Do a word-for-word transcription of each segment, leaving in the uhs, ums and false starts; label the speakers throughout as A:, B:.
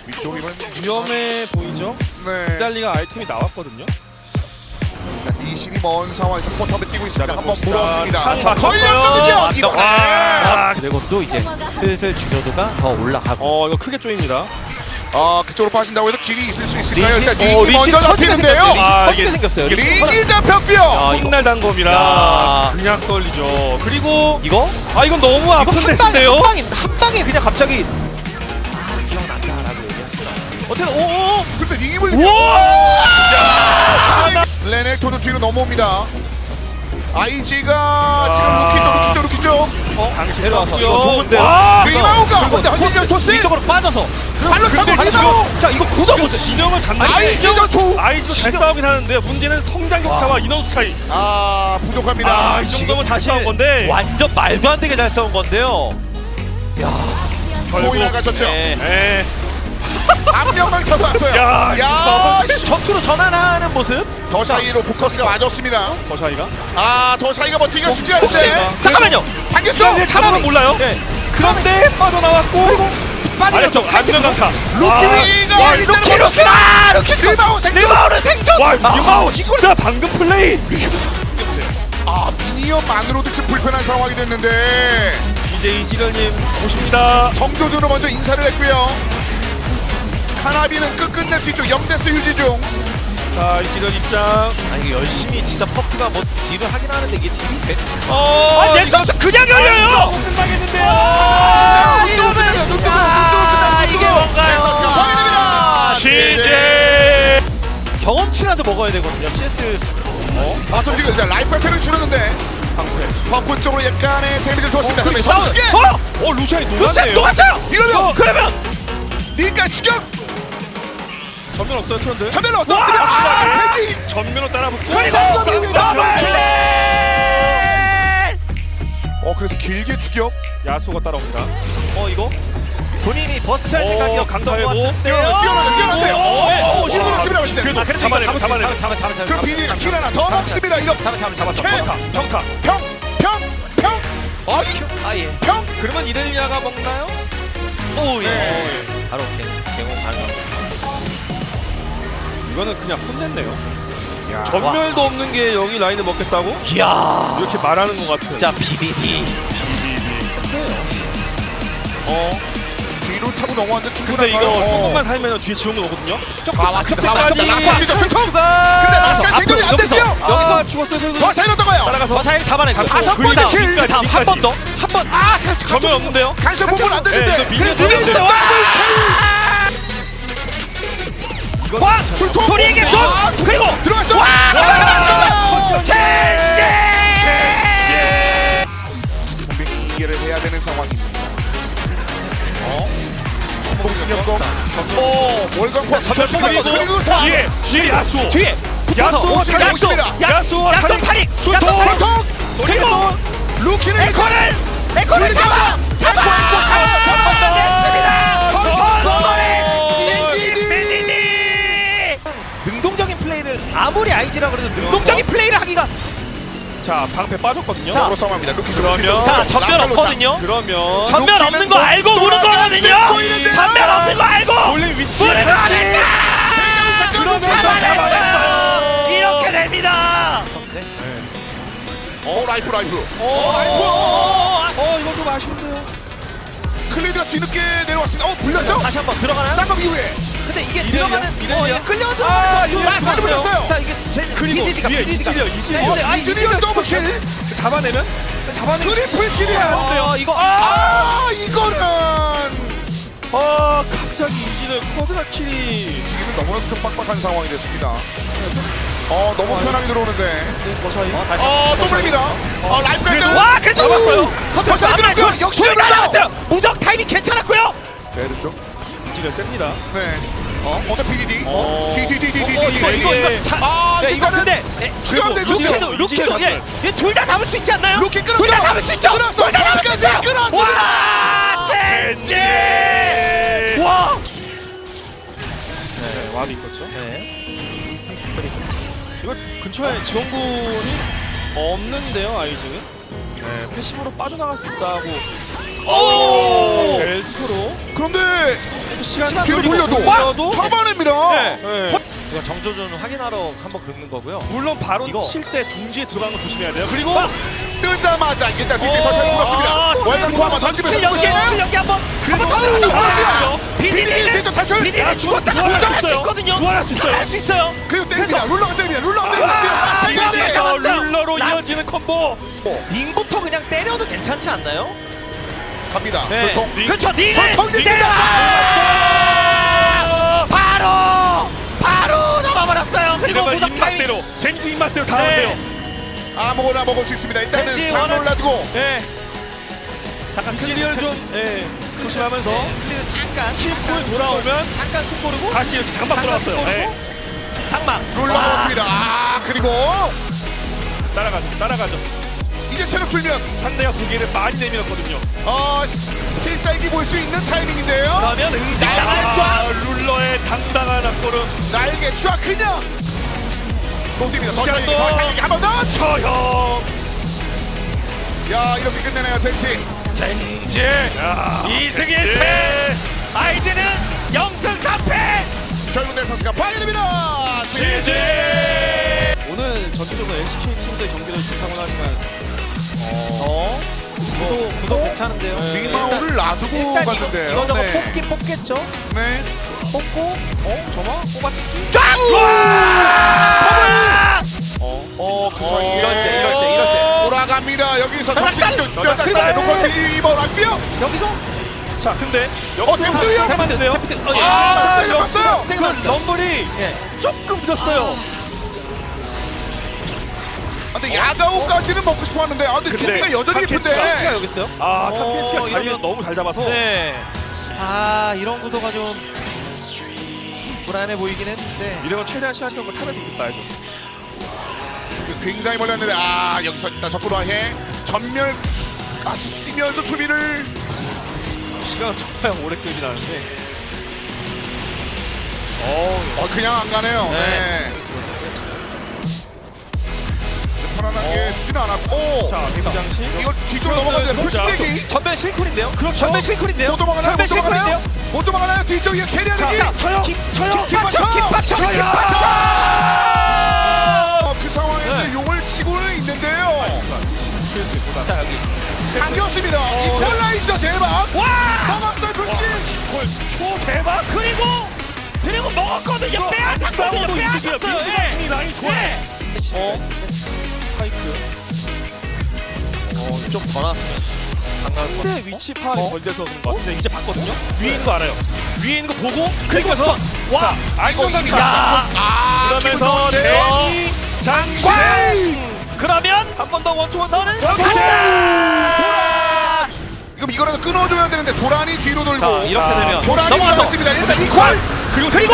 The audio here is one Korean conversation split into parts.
A: 위쪽이면
B: 위험해 보이죠?
A: 네.
B: 기달리가 아이템이 나왔거든요.
A: 리신이 먼 상황에서 포탑을 뛰고 있습니다.
B: 자,
A: 한번
B: 봅시다.
A: 물었습니다.
B: 차 잡혔어요.
A: 걸렸거든요.
C: 아,
A: 이번에.
B: 아,
C: 드래곤도 이제 슬슬 주저도가 더 올라가고.
B: 어 이거 크게 쪼입니다.
A: 아 그쪽으로 빠진다고 해서 길이 있을 수 있을까요? 일단
C: 어,
A: 링이 먼저 잡히는데요.
B: 아,
C: 터지게
B: 이게-
C: 생겼어요.
B: 이게
A: 링이 잡혔고요.
C: 아, 이거-
B: 콩날 단검이라
C: 야.
B: 그냥 떨리죠. 그리고
C: 이거?
B: 아 이건 너무
C: 이거
B: 아픈
C: 한 방에,
B: 데스인데요.
C: 한 방에 한 방에 그냥 갑자기 아 기억난다라고 얘기하시더라고요. 어떻게 오오
A: 근데 링이 물리면 레넥토도 뒤로 넘어옵니다. 아이지가 지금 루키죠, 루키죠, 루키죠.
B: 어, 당시
C: 내려와서
B: 들어왔고요.
C: 이거 좋은데요?
B: 와,
A: 리마우가 근데 헌진전 토스
C: 이쪽으로 빠져서
A: 발로 타고
B: 근데
A: 리마우.
C: 자 이거 구도
B: 지금
C: 보세요.
B: 진영을 잡는
A: 아이지가 투.
B: 아이즈도 잘 싸우긴 하는데 문제는 성장 격차와 인원수 차이.
A: 아 부족합니다.
B: 아, 이 정도면 잘 싸운 건데
C: 완전 말도 안 되게 잘 싸운 건데요.
A: 코이 나가셨죠.
C: 네.
B: 에.
A: 한 명만 더 왔어요.
B: 야,
A: 야,
C: 근데 전투로 전환하는 모습.
A: 더 사이로 포커스가 맞았습니다.
B: 더 차이가?
A: 아, 더 사이가 버티기가 쉽지
C: 혹시
A: 않은데.
C: 잠깐만요.
A: 당겼죠?
B: 이제 잡으면 몰라요.
C: 네.
B: 그런데 빠져나왔고
C: 빠지면서
B: 아래쪽 안면 강타.
A: 루키가
C: 와, 루키 루키다. 루키
A: 리마우 생존.
C: 리마우는 생존.
B: 와,
C: 아,
B: 리마우 진짜 방금 플레이.
A: 아, 미니언만으로도 지금 불편한 상황이 됐는데
B: 이제 이지련님 오십니다.
A: 정조준으로 먼저 인사를 했고요. 카나비는 끝끝내 뒤쪽 영 대스 유지 중.
B: 자, 이지련 입장.
C: 아니 이거 열심히 진짜 퍼프가 뭐 딜을 하긴 하는데 이게 딜이 돼?
B: 어,
C: 아, 넥서스 그냥 열려요.
B: 끝나겠는데요.
C: 아,
A: 눈 뜨고
C: 이러면
A: 눈 뜨고 눈 뜨고
C: 아,
A: 눈 뜨고
C: 이게 뭔가요?
A: 확인됩니다.
B: 시제.
C: 경험치라도 먹어야 되거든요. 씨에스. 어?
A: 아, 좀 지금 이제 라이프 차를 줄였는데 버프 쪽으로 약간의 데미지를 줬습니다.
C: 어,
A: 싸움.
C: 어?
B: 어, 루시안이
C: 루시안
B: 녹았네요.
C: 녹았어요.
A: 이러면
C: 그러면
A: 니가 추격.
B: 전면 없어요, 트런드.
A: 전면 어떻게
B: 와!
A: 되면
B: 전면으로 따라붙고.
A: 그리고
C: 더블
A: 더블
C: 킬!
A: 어, 그래서 길게 추격.
B: 야수가 따라옵니다.
C: 어 이거 본인이 버스트 할
B: 어,
C: 생각이었던 것
B: 강타해고.
C: 같은데요.
A: 뛰어나, 뛰어나, 뛰어나는데요. 오, 오, 실버로
B: 아,
A: 뛰어나갈 때.
B: 그래도
C: 아, 그래서
B: 잡아내고,
C: 이거
B: 잡아내고.
C: 잡아 잡아 잡아
A: 그 비닐 킬 하나 더 먹습니다. 이렇게
C: 잡아 잡아 잡아
A: 캐!
C: 잡아.
B: 평타.
A: 평, 평, 평. 아이,
C: 아예.
A: 평.
B: 그러면 이렐리아가 먹나요?
C: 오 예.
A: 네.
C: 바로 개공 가능합니다.
B: 이거는 그냥 혼냈네요.
A: 야,
B: 전멸도 없는 게 여기 라인을 먹겠다고?
C: 이야.
B: 이렇게 말하는 것 같은.
C: 진짜 비비비.
B: 어.
A: 뒤로 타고 넘어왔는데
B: 근데
A: 충분한가요?
B: 이거
A: 어.
B: 조금만 살면 뒤에 지원은 오거든요.
A: 다 왔습니다. 다 왔습니다.
B: 끝까지
A: 낙선이죠. 승통. 근데
B: 근데
A: 낙선 생존이 안
C: 여기서,
A: 됐어요.
B: 아, 죽었어요. 선수.
A: 더 사이로던 거요.
B: 따라가서
C: 버사일 잡아내고.
B: 잡고
A: 다섯 번째
B: 그리고
A: 킬.
B: 밑까지,
C: 다음 한
B: 밑까지.
C: 번 더. 한 번. 아
B: 전면 없는데요?
A: 간섭 부분 안
B: 네,
A: 되는데.
B: 이거 밀려
A: 그래도
B: 들어가는데.
A: 밀려.
B: 이건
C: 와!
A: 술통.
C: 소리에게 손!
A: 아,
C: 그리고
A: 들어갔어.
C: 와!
A: 들어갔어.
C: 젠제!
A: 공격기를 해야 되는 상황입니다. 어? 공격공. 오, 월광포
B: 전면
A: 잡혔습니다.
B: 뽑아서
A: 그리고 자.
B: 뒤에 뒤에 야수.
C: 뒤에
B: 야수
A: 오십니다,
B: 야수
A: 오십니다.
B: 야수와
C: 약속
B: 타릭.
C: 타릭!
B: 술통.
C: 약속 타릭!
A: 보통
C: 그리고
A: 루키를
C: 에코를! 에코를 잡아! 잡아! 잡아냈습니다! 선선의 능동적인 플레이를 아무리 아이지라 그래도 능동적인 플레이를 하기가
B: 자, 방패 빠졌거든요.
C: 자,
A: 서로 싸움합니다. 루키 좀,
B: 그러면-
A: 루키 좀.
C: 자 전면
A: 라팔로
C: 없거든요.
B: 그러면
C: 전면 없는 거 알고 우는 거거든요.
A: 보이는데요?
C: 전면 없는 거 알고
B: 돌린 위치.
C: 우는 거 알죠.
B: 그러면서
C: 잡아냈어요.
B: 잡아냈어요.
C: 이렇게 됩니다.
A: 어, 라이프 라이프.
C: 어,
A: 라이프.
B: 어, 이거 좀 아쉬운데요.
A: 클리드가 뒤늦게 내려왔습니다. 어, 불렸죠?
C: 다시 한번 들어가나요?
A: 쌍검 이후에.
C: 근데 이게
B: 이래요?
C: 들어가는
B: 이래요?
C: 어, 이게 끌려
B: 아,
C: 들어가는
B: 이래요?
C: 거.
A: 아, 살을 불렸어요.
C: 자 이게 제
B: 그리고
C: 비디디가
B: 뒤에
C: 비디디가.
B: 이질이요, 이질.
C: 네,
A: 어,
C: 네, 아,
A: 이준이는 더블킬.
B: 잡아내면 잡아내면
A: 트리플 킬이에요.
C: 어, 이거 아,
A: 아, 이거는
B: 아, 갑자기 이지는 코드라 킬이
A: 지금은 너무나도 좀 빡빡한 상황이 됐습니다. 어, 너무 편하게 들어오는데.
B: 버사이.
A: 어, 또 불립니다. 어, 라이프가
B: 그래도-
A: 일단은-
C: 와, 그래도
B: 잡았어요.
A: 버튼
C: 안
A: 들어갔죠?
C: 맞죠?
A: 역시
C: 둘다
A: 불렸어요.
C: 잡았어요. 무적 타이밍 괜찮았고요.
A: 네, 됐죠?
B: 이지는 셉니다.
A: 네. 어, 어때 피디디?
B: 어.
A: 디디디디디디.
C: 어, 이거 이거 이거 자,
A: 아,
C: 야, 이거
A: 이거는
C: 근데
A: 추가돼
B: 그래도
A: 루키.
C: 루키도 루키도
B: 이지가
C: 얘둘 다 잡을 수 있지 않나요?
A: 루키 끌었어.
C: 둘 다 잡을 수 있죠.
A: 끌었어.
C: 둘 다 잡을 수 있어요.
A: 끌었어.
C: 와, 젠지. 와.
B: 네, 와비 있었죠.
C: 네.
B: 이거 근처에 지원군이 없는데요, 아이즈는. 네, 패시브로 빠져나갈 수 있다고.
C: 오!
B: 네, 엘프로
A: 그런데
B: 시간
A: 뒤로 돌려도
B: 돌려도
A: 잡아냅니다.
B: 네. 네.
C: 이거 정조준 확인하러 한번 긁는 거고요.
B: 물론 바로
C: 이거.
B: 칠 때 둥지에 들어가는 거 조심해야 돼요. 그리고
A: 뜨자마자 일단 뒤쪽에
B: 어,
A: 터치를
C: 아,
A: 물었습니다. 월간코 한번 던지면서
C: 연기
A: 또
C: 연기 한번 한번
A: 아,
C: 더.
A: 비디디
C: 비디디
A: 뒤쪽 탈출.
C: 비디디 죽었다
B: 부활할 수
C: 부활할 수
B: 있어요.
C: 있거든요.
B: 부활할 수 있어요.
C: 할 수 있어요.
A: 그리고 때립니다. 룰러가 때립니다. 룰러가
C: 아,
A: 때립니다.
C: 이거
A: 비디디.
C: 잡았어요.
B: 어, 룰러로
C: 라스트.
B: 이어지는 콤보.
C: 링부터 그냥 때려도 괜찮지 않나요?
A: 갑니다.
C: 네.
A: 소통.
B: 링.
C: 그렇죠. 링을
A: 소통이
B: 링을.
A: 된다.
C: 아! 바로 바로 잡아버렸어요. 그리고
B: 이러면
C: 무적 타임.
B: 입맛대로 젠지 입맛대로 다
C: 네.
B: 하네요.
A: 아무거나 먹을 수 있습니다. 일단은
C: 왠지
A: 장
C: 원한-
A: 올라두고
C: 네. 잠깐
B: 클리어를 좀 예, 조심하면서
C: 클리어 잠깐
B: 킬풀 돌아오면
C: 잠깐 숨 고르고
B: 다시 이렇게 장막 들어갔어요. 예.
C: 장막
A: 룰러가
C: 와.
A: 먹습니다. 아 그리고
B: 따라가죠. 따라가죠.
A: 이제 체력 줄면
B: 상대가 고개를 많이 내밀었거든요.
A: 어 필살기 볼 수 있는 타이밍인데요.
C: 그러면 응징
A: 아,
B: 아, 룰러의 당당한 앞걸음.
A: 날개 쫙 그냥 공입니다. 더
B: 시간도.
A: 살리기, 더 살리기 한 번 더.
B: 처형.
A: 야 이렇게 끝내네요, 젠지.
C: 젠지
B: 야,
C: 이승일
B: 네.
C: 패 아이즈는 영승 삼 패
A: 결국 내 선수가 파이입니다.
B: 지지. 오늘 전체적으로 엘씨케이 팀들 경기를 좋다고 하지만
C: 어? 구도, 구도 괜찮은데요?
A: 리마우를 놔두고
C: 일단 이거,
A: 갔는데요.
C: 이거 저거
A: 네.
C: 뽑긴 뽑겠죠?
A: 네.
C: 뽑고 어? 저마? 뽑아치기?
A: 쫙!
C: 와!
A: 어, 어, 그 사이에
C: 이럴 때, 이럴 때, 이럴 때.
A: 돌아갑니다. 여기서
C: 자,
A: 정식
C: 자,
A: 뼈
C: 자,
A: 쌀에
C: 그리고-
A: 놓고 이번 왔고요.
C: 여기서?
B: 자 근데
A: 어, 데프트요?
B: 해봤는데요.
C: 데프트, 어, 예.
A: 아,
C: 자,
A: 잡았어요.
C: 그
B: 그 럼블이
C: 예.
B: 조금 늦었어요.
A: 아, 근데 야가오까지는 먹고 싶어 하는데, 아, 근데
B: 근데
A: 준비가 여전히
C: 탑캐치가
A: 예쁜데.
C: 여기 있어요?
B: 아
C: 어,
B: 탑캐치가 자리를
C: 이러면-
B: 너무 잘 잡아서
C: 네. 아, 이런 구도가 좀 불안해 보이긴 했는데.
B: 이러면 최대한 시간 정도 탑에서 있어야죠.
A: 굉장히 멀렸는데, 아, 여기서 일단 적구로해 전멸 아주 쓰면서 초비를
B: 시간은 정말 오래 끌긴 하는데 어,
A: 어, 그냥 안 가네요. 네.
C: 네.
A: 편안하게 주지는 않았고.
B: 자 대장치
A: 이거 뒤쪽으로 넘어가는데 풀스택이
C: 전면 실쿨인데요?
B: 그렇죠.
C: 전면 실쿨인데요?
A: 못 도망가나요? 못
C: 전면
A: 도망가나요?
C: 실쿨인데요?
A: 못 도망가나요? 뒤쪽에 캐리하는
B: 자,
A: 게
B: 자, 쳐요.
C: 김,
B: 쳐요.
C: 김박쳐! 김박쳐!
B: 쳐요.
C: 김박쳐!
A: 어, 그 상황에서
C: 네.
A: 용을 치고는 있는데요.
C: 자, 여기.
A: 당겼습니다. 이퀄라이저 대박.
C: 와!
A: 먹었어요, 솔직히.
B: 골 초 대박.
C: 그리고 그리고 먹었거든요. 빼앗았거든요. 빼앗았어요. 예.
B: 라인 좋아요.
C: 네.
B: 어 스파이크.
C: 어, 좀 더 나왔으면 강할 것
B: 상대 위치 파악이
C: 어?
B: 걸려서 그런 것 같은데 이제 봤거든요. 위에 있는 거 알아요. 위에 있는 거 보고 그리고서 와
A: 아이고,
B: 안정감
A: 이미
B: 야
A: 야. 아,
B: 그러면서
A: 기분 좋은데요?
B: 대기 장관.
C: 그러면
B: 한 번 더 원투원 너는
A: 간다! 이거 이거라도 끊어줘야 되는데 도란이 뒤로 돌고.
C: 자, 이렇게
B: 아,
C: 되면
A: 도란이
C: 넘어가서
A: 나왔습니다. 일단 이퀄.
B: 그리고
C: 그리고!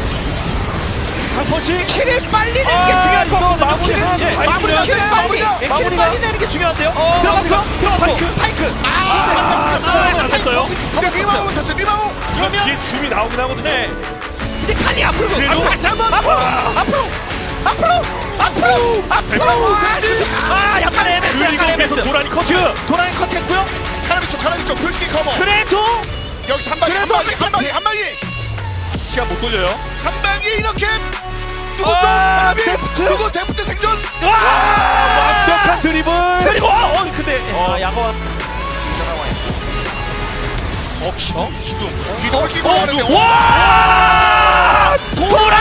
B: 한 펀치.
C: 킬을 빨리 내는 게
B: 아,
C: 중요할 것
B: 이거
C: 같거든요.
B: 마무리하는
C: 예.
B: 파이크를
C: 마무리를
A: 해야
C: 킬을
A: 돼요.
C: 빨리
A: 마무리가.
C: 예, 킬을
B: 마무리가.
C: 빨리 내는 게 중요한데요.
B: 어,
C: 들어갔고
B: 마무리가.
C: 들어갔고
B: 파이크.
C: 파이크.
A: 아,
B: 아, 됐어요.
A: 근데 리마우 못했어요. 리마우.
C: 그러면
B: 뒤에 줌이 나오긴 하거든요.
C: 네. 이제 칼리 앞으로
B: 그리고-
C: 앞으로 다시 한번 앞으로 앞으로 앞으로 앞으로 앞으로 아 약간 애매했어 약간
B: 그리고 계속
C: 애매했어
B: 도란이 커트.
C: 도란이 컷했고요.
A: 카라비쪽, 카라비쪽, 표식이 커버.
C: 그래도
A: 여기서 한 방에, 한 방에, 한 방에, 한 방에,
B: 시간 못 돌려요.
A: 한 방에 이렇게. 누구 또
C: 아,
A: 카라비?
C: 데프트.
A: 누구 데프트 생존?
C: 와
B: 완벽한 드리블.
C: 그리고 어 근데
B: 어.
C: 아 야거
B: 어, 기, 어? 기둥.
A: 뒤도 끼고
C: 어,
A: 하는데.
C: 누- 와 도란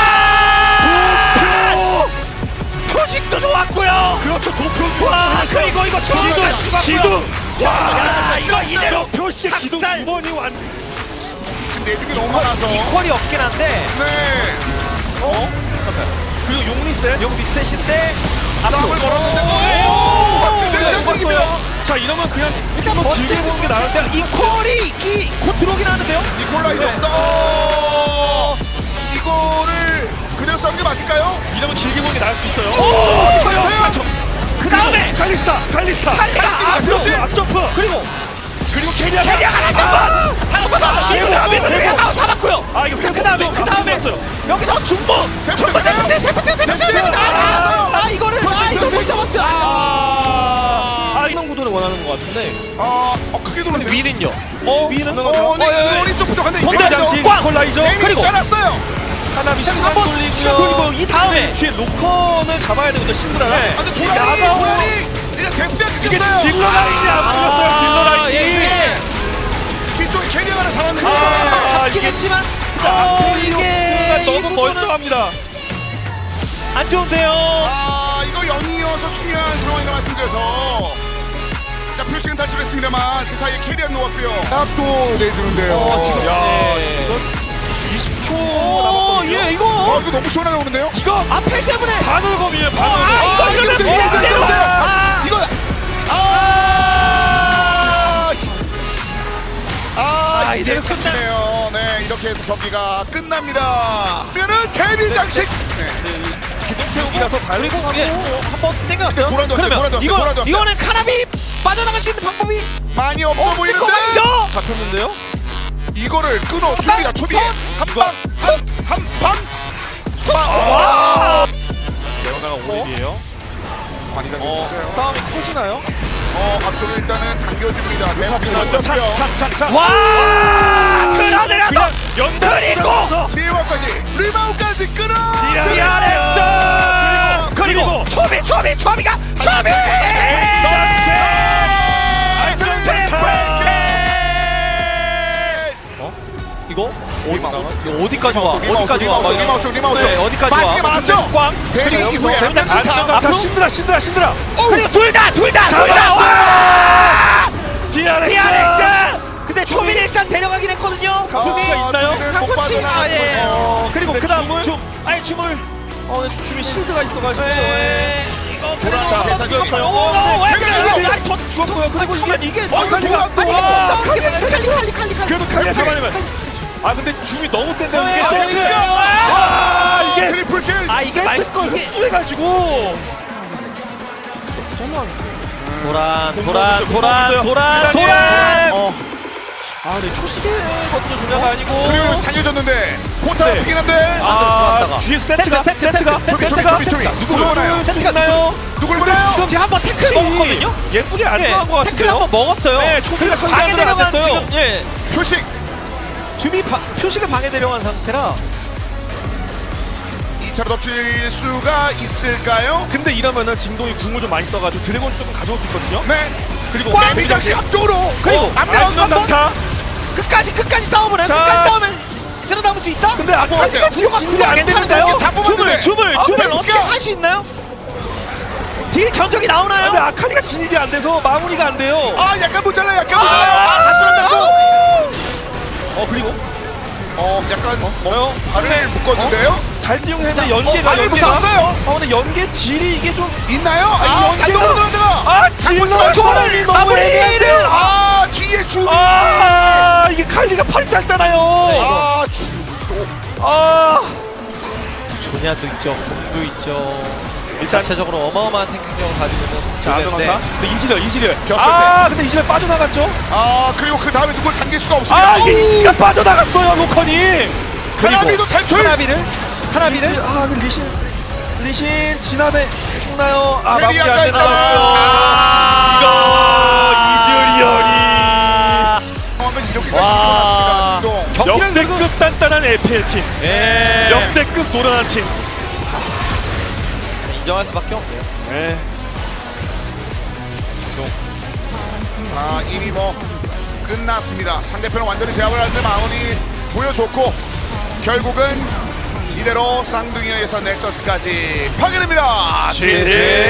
C: 표식도 좋았고요.
B: 그렇죠. 도표.
C: 와 그리고 이거
B: 기둥.
C: 추가가
B: 기둥.
C: 야 이거 이대로
B: 표식의 기둥
C: 학살.
B: 두 번이 완.
A: 지금 내중이 너무 많아서.
C: 이퀄이 없긴 한데
A: 네.
C: 어?
B: 그리고 용리세.
C: 용 리셋인데
A: 싸움을 걸었는데.
C: 오!
A: 오! 대장입니다.
B: 자 이러면 그냥
C: 일단
B: 한번
C: 먼저
B: 길게 보는 게 나을 때.
C: 이퀄이 이, 곧 들어오긴 하는데요.
A: 니콜라이저.
C: 네.
A: 어! 이거를 그대로 싸는 게 맞을까요?
B: 이러면 길게 보는 게 나을 수 있어요.
C: 오!
B: 맞죠.
C: 그 다음에
B: 칼리스타. 칼리스타.
C: 칼리가 앞으로
B: 앞점프.
C: 그리고
B: 그리고 케리아.
C: 캐리아가 다시 한번 상업받아 밀고 밀고 밀고 아 잡았고요.
B: 아 이거
C: 그 다음에 그 다음에 여기서 중보 중보 대포대 대포대 대포대 대포대 아 이거를 아 이거 못 잡았어요.
A: 아,
B: 아 이런 구도를 원하는 것 같은데.
A: 아, 어, 크게 돌았네.
C: 위는 위엔요.
B: 어? 위는
A: 어, 네, 이거리 좀 부족한데
B: 선대 장식
C: 꽝!
B: 콜라이저
A: 그리고
B: 그리고
A: 깔았어요.
B: 하나비 시간
C: 한번
B: 돌리고요.
C: 시간 돌리고 이 다음에
B: 뒤에 로컨을 잡아야 되거든요. 신드라가.
C: 네.
A: 아, 근데
B: 이
A: 도라니,
B: 야가오
A: 도라니 이제 덱스가
B: 이게
A: 찍혔어요.
B: 딜러 라인이 안 보였어요. 딜러 라인이.
C: 예, 예.
A: 뒤쪽에 캐리어가 상황인데.
B: 아,
C: 잡긴
B: 이게
C: 했지만
B: 아,
C: 어,
B: 이게
C: 이게
B: 너무
C: 이 부분은
B: 멀쩡합니다.
C: 안 좋은데요.
A: 아, 이거 영이어서 중요한 상황이라 말씀드려서. 자, 표식은 탈출했습니다만 그 사이에 캐리어 놓았고요. 또 내주는데요.
C: 어, 지금
B: 야,
C: 네.
B: 이건 이십 초
C: 오,
B: 남았거든요.
C: 예,
A: 와,
C: 이거
A: 이거 너무 시원하게 오는데요?
C: 이거 앞에 때문에
B: 바늘검이에요.
C: 아,
B: 바늘검.
C: 이거 이러면
A: 이거
C: 돼요.
A: 이거
C: 때려.
A: 이거
C: 아,
A: 이거 아, 씨. 아,
C: 아,
A: 이제
C: 이대로 끝나-
A: 끝네요. 네, 이렇게 해서 경기가 끝납니다. 그러면은 데뷔 장식. 네.
B: 기둥 채우기라서 달리고
C: 예,
B: 하고
C: 한번 땡겨놨어요.
A: 근데 돌아줬어요,
C: 그러면
A: 돌아줬어요,
C: 이거
A: 돌아줬어요.
C: 이거는 카나비 빠져나갈 수 있는 방법이
A: 많이 없어
C: 없을 것
A: 보이는데
C: 같죠?
B: 잡혔는데요.
A: 이거를 끊어줍니다. 초비
B: 이거-
A: 한방한한방
C: 와!
B: 레오나가 오립이에요.
A: 많이
B: 어,
A: 당겼어요.
B: 싸움이 커지나요?
A: 어, 앞쪽을 일단은 당겨줍니다. 대박이
B: 착,
A: 던졌고요.
B: 착, 착, 착.
C: 와! 끌어내려서
B: 그냥 연달리고
A: 리바우까지 리바우까지 끌어.
C: 디아렉스! 그리고 초비 초비 초비가 초비!
B: 어? 이거
C: 이거 어디까지 와?
A: 리마우스,
C: 어디까지 와?
A: 리마우스, 리마우스, 리마우스.
C: 네, 어디까지 와?
A: 빠지게 많았죠?
C: 꽝.
A: 데뷔
C: 그리고
A: 이후에
C: 여기서
A: 한장
C: 안
A: 치타.
C: 들어가.
B: 자, 신드라 신드라 신드라
C: 그리고 둘 다 둘 다 둘 다
B: 잡았어!
C: 와!
B: 디아렉스
C: 디아렉스! 근데 초비를 일단 데려가긴 했거든요.
B: 강코치가 있나요?
C: 강코치 아 예.
B: 어,
C: 그리고
B: 근데
C: 그다음
B: 줌을?
C: 줌. 아니 줌을.
B: 어, 근데 춤이 실드가 있어가지고
C: 네. 이거
A: 돌아서
C: 그래도
A: 계산이
C: 이거
A: 돼요.
C: 오, 오, 왜
A: 그래,
C: 그래?
A: 이거.
C: 아니 더
B: 죽었고요. 그리고
C: 그리고
B: 이게
C: 이게
A: 어, 이거
B: 칼리가
A: 돌아-
C: 아니
A: 와.
C: 칼리 칼리 칼리 칼리 칼리.
B: 그래도 칼리 잡아내면 아 근데 줌이 너무 센데 이게
C: 아,
B: 세트
C: 이거.
B: 아 이게
A: 트리플 킬.
C: 아 이게 말
B: 세트 걸
C: 이게
B: 흡수해가지고
C: 도란
B: 공
C: 도란
B: 먹었어요,
C: 도란
B: 공
C: 도란
B: 먹었어요.
C: 도란.
A: 어,
B: 아 근데 초시계 것도 중요가 아니고
A: 그리고 살려줬는데 포타
B: 네.
A: 아프긴 한데
B: 아
C: 들어갔다가.
B: 뒤에 세트가
C: 세트, 세트,
B: 세트가
C: 세트,
A: 초비 초비
B: 세트가
A: 초비 초비 누구 보나요?
C: 세트가
B: 나요
A: 누굴 보나요?
C: 지금 한번 태클 먹었거든요.
B: 예쁘게 안
C: 네,
B: 들어간 것
C: 태클
B: 같은데요.
C: 한번 먹었어요.
B: 네, 초비가
C: 방해
B: 방해
C: 내려간
B: 들어갔어요.
C: 지금 예.
A: 표식
C: 줌이 바, 표식을 방해 내려간 상태라.
A: 이 차로 덮칠 수가 있을까요?
B: 근데 이러면은 진동이 궁을 좀 많이 써가지고 드래곤 조금 가져올 수 있거든요.
A: 네.
B: 그리고
A: 데뷔 장식 앞쪽으로
C: 그리고
A: 앞면
B: 안면
A: 한번
B: 강타.
C: 끝까지 끝까지 싸움을 해요.
B: 자.
C: 끝까지 싸우면 새로 남을 수 있다.
B: 근데 앞에
A: 하세요.
B: 지금 진이 안 되는데요.
A: 이게 다 뽑았는데.
C: 줌을 줌을
B: 아,
C: 줌을
A: 그러니까.
C: 어떻게 할 수 있나요? 딜 견적이 나오나요?
B: 근데 아카리가 진입이 안 돼서 마무리가 안 돼요.
A: 아, 약간 모자라 약간
C: 아,
A: 모자라.
C: 아, 다 뚫었다고?
B: 어 그리고
A: 어, 약간
B: 뭐요?
A: 발을 묶었는데요?
B: 잘 이용했는데
C: 자,
B: 연계가
A: 어, 발을
B: 연계가.
A: 묶었어요.
B: 어 근데 연계 딜이 이게 좀.
A: 있나요? 아,
B: 연계가-
A: 단독으로 들어가.
B: 아 질러
A: 조를
B: 너무
C: 마무리를!
B: 애매한데요.
A: 아, 뒤에 주.
B: 아 이게 칼리가 팔이 짧잖아요.
A: 아, 주.
B: 아
C: 조냐도 있죠. 공도 있죠.
B: 일단
C: 자체적으로 어마어마한 생명력을 가지고 있는
B: 자 아정한타. 근데 이지렬 이지렬.
A: 겼을
B: 아 근데 이지렬 빠져나갔죠.
A: 아, 그리고 그 다음에 누굴 당길 수가 없습니다.
B: 아 이게 이가 빠져나갔어요 로커님.
A: 하나비도 탈출.
C: 하나비를 하나비를
B: 아 근데 리신 리신 지나대 죽나요? 아
A: 데뷔
B: 마무리 안
A: 약간
B: 되나
A: 있다가.
B: 봐요.
A: 아.
B: 이거
A: 하면 이렇게까지
C: 와.
A: 일어났습니다. 진동.
C: 경기를
B: 역대급 단단한 에프엘 팀.
C: 예.
B: 역대급 노련한 팀.
C: 인정할 수밖에 없네요.
B: 네.
A: 아, 이미 뭐 끝났습니다. 상대편은 완전히 제압을 하는데 마운이 보여줬고 결국은 이대로 쌍둥이에서 넥서스까지 파괴됩니다.
B: 지지.